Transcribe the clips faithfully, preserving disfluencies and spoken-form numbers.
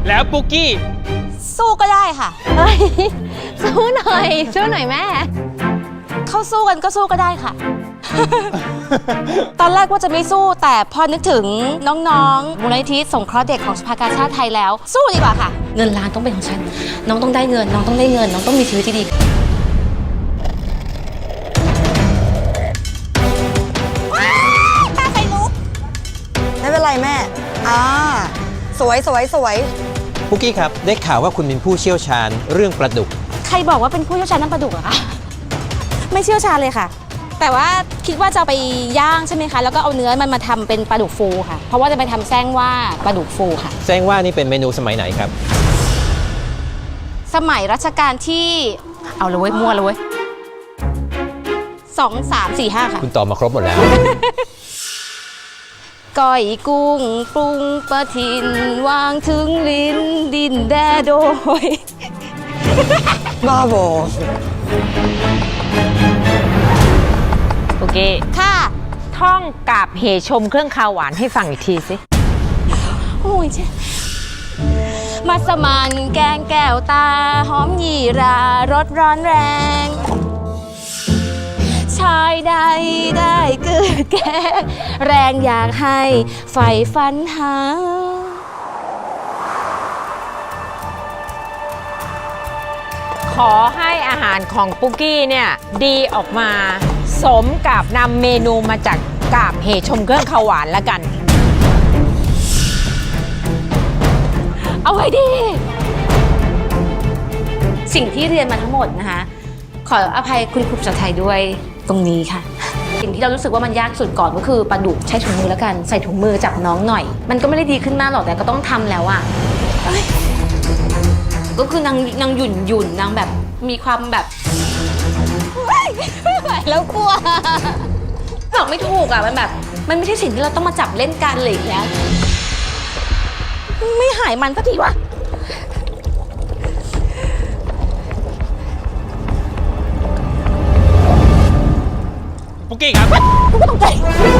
แล้วปุกกี้สู้ก็ได้ค่ะเฮ้ยสู้หน่อยสู้หน่อยแม่เขาสู้กันก็สู้ก็ได้ค่ะ ตอนแรกว่าจะไม่สู้แต่พอนึกถึงน้องๆมูลนิธิสงเคราะห์เด็กของสภากาชาติไทยแล้วสู้ดีกว่าค่ะเงินล้านต้องเป็นของฉันน้องต้องได้เงินน้องต้องได้เงินน้องต้องมีชีวิตที่ดีตาไฟลุกไม่เป็นไรแม่อ่าสวยสวยสวยปุกกี้ครับได้ข่าวว่าคุณเป็นผู้เชี่ยวชาญเรื่องปลาดุกใครบอกว่าเป็นผู้เชี่ยวชาญด้านปลาดุกอะคะไม่เชี่ยวชาญเลยค่ะแต่ว่าคิดว่าจะไปย่างใช่ไหมคะแล้วก็เอาเนื้อมันมาทำเป็นปลาดุกฟูค่ะเพราะว่าจะไปทำแซงว่าปลาดุกฟูค่ะแซงว่านี่เป็นเมนูสมัยไหนครับสมัยรัชกาลที่เอาเลยเว้ยมั่วเลยเว้ยสองสามสี่ห้าค่ะคุณตอบมาครบหมดแล้วก้อยกุ้งปรุงประทินวางถึงลิ้นดินแดโดยบ้าบอโอเคค่ะท่องกาบเหชมเครื่องคาวหวานให้ฟังอีกทีสิโอ้ยเจ๊มัสมั่นแกงแก้วตาหอมหยี่รารสร้อนแรงชายใดได้เกิดแก่แรงอยากให้ไฟฟันหาขอให้อาหารของปุกกี้เนี่ยดีออกมาสมกับนำเมนูมาจากกาบเหชมเครื่องคาวหวานแล้วกันเอาไว้ดีสิ่งที่เรียนมาทั้งหมดนะคะขออภัยคุณครูภาษาไทยด้วยตรงนี้ค่ะสิ่งที่เรารู้สึกว่ามันยากสุดก่อนก็คือปลาดุกใช้ถุงมือแล้วกันใส่ถุงมือจับน้องหน่อยมันก็ไม่ได้ดีขึ้นมากหรอกแต่ก็ต้องทำแล้วอ่ะก็คือนางนางหยุ่นหยุ่นนางแบบมีความแบบไม่ไหวแล้วกลัวบอกไม่ถูกอ่ะมันแบบมันไม่ใช่สิ่งที่เราต้องมาจับเล่นกันเลยแล้วไม่หายมันสักทีวะปุกกี้ครับกูก็ตกใจ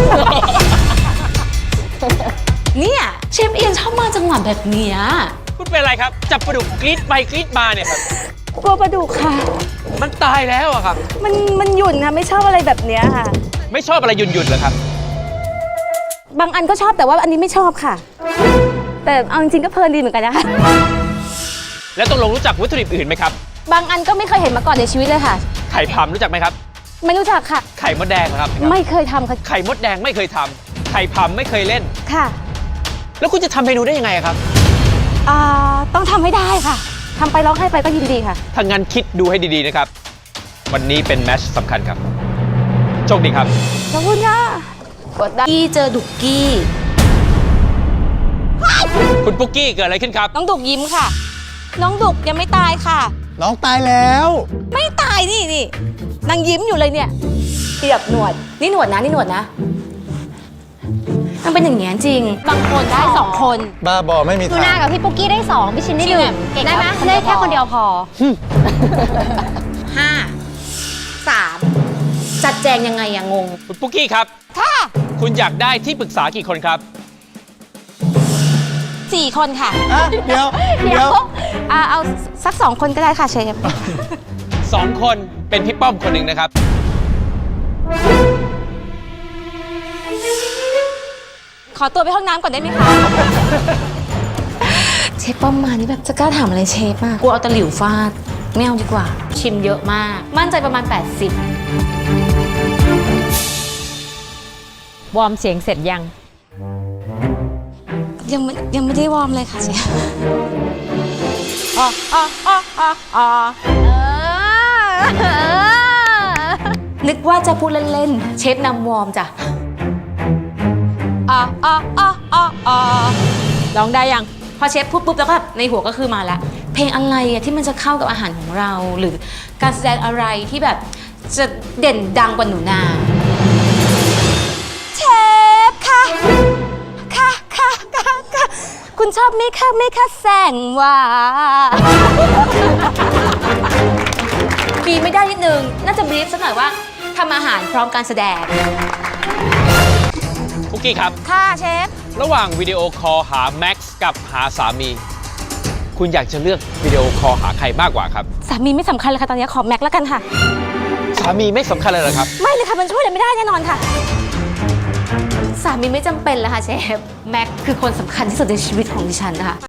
เนี่ยเชฟเอียนชอบมาจังหวะแบบเนี้ยคุณเป็นอะไรครับจับปลาดุกกรี๊ดไปกรี๊ดมาเนี่ยครับกลัวปลาดุกค่ะมันตายแล้วอะครับมันมันหยุ่นค่ะไม่ชอบอะไรแบบเนี้ยค่ะไม่ชอบอะไรหยุ่นหยุ่นเหรอครับบางอันก็ชอบแต่ว่าอันนี้ไม่ชอบค่ะแต่เอาจริงๆก็เพลินดีเหมือนกันนะคะแล้วต้องลงรู้จักวัตถุดิบอื่นไหมครับบางอันก็ไม่เคยเห็นมาก่อนในชีวิตเลยค่ะไข่พำรู้จักไหมครับไม่รู้จักค่ะไข่มดแดงครับไม่เคยทำค่ะไข่มดแดงไม่เคยทำไข่พำไม่เคยเล่นค่ะแล้วคุณจะทำเมนูได้ยังไงครับอ่าต้องทำให้ได้ค่ะทำไปร้องไห้ไปก็ยินดีค่ะถ้างั้นคิดดูให้ดีๆนะครับวันนี้เป็นแมตช์สำคัญครับโชคดีครับขอบคุณค่ะกดได้กี้เจอดุกกี้คุณปุกกี้เกิดอะไรขึ้นครับน้องดุกยิ้มค่ะน้องดุกยังไม่ตายค่ะน้องตายแล้วไม่ตายนี่นี่นางยิ้มอยู่เลยเนี่ยเทียบหนวดนี่หนวดนะนี่หนวดนะมันเป็นอย่างเงี้ยจริงบางคนได้สองคนบ้าบอไม่มีทางทูน่ากับพี่ปุกกี้ได้สองพี่ชินได้หนึ่งได้ไหมได้แค่คนเดียวพอห้าสามจัดแจงยังไงอะงงคุณปุกกี้ครับค่ะคุณอยากได้ที่ปรึกษากี่คนครับสี่คนค่ะเดี๋ยวเดี๋ยวเอาสักสองคนก็ได้ค่ะเชฟสองคนเป็นพี่ป้อมคนหนึ่งนะครับขอตัวไปห้องน้ำก่อนได้ไหมคะเชฟป้อมมานี่แบบจะกล้าถามอะไรเชฟมากกูเอาตะหลิวฟาดไม่เอาดีกว่าชิมเยอะมากมั่นใจประมาณแปดสิบวอร์มเสียงเสร็จยังยังยังไม่ได้วอร์มเลยค่ะเชฟอ๋ออ๋ออ๋ออ๋ออ๋อนึกว่าจะพูดเล่นๆเชฟนำวอร์มจ้ะอ๋ออ๋ออ๋ออ๋ออ๋อร้องได้ยังพอเชฟพูดปุ๊บแล้วก็ในหัวก็คือมาละเพลงอะไรอะที่มันจะเข้ากับอาหารของเราหรือการแสดงอะไรที่แบบจะเด่นดังกว่าหนูนาเชฟค่ะค่ะค่ะค่ะค่ะคุณชอบไหมคะไหมคะแสงว่าบีไม่ได้นิดนึงน่าจะบรีฟสักหน่อยว่าทำอาหารพร้อมการแสดงปุกกี้ครับค่ะเชฟระหว่างวิดีโอคอลหาแม็กซ์กับหาสามีคุณอยากจะเลือกวิดีโอคอลหาใครมากกว่าครับสามีไม่สำคัญเลยค่ะตอนนี้ขอแม็กแล้วกันค่ะสามีไม่สำคัญเลยเหรอครับไม่เลยค่ะมันช่วยอะไรไม่ได้แน่นอนค่ะ สามีไม่จำเป็นแล้วค่ะเชฟ แม็กคือคนสำคัญที่สุดในชีวิตของดิฉันนะคะ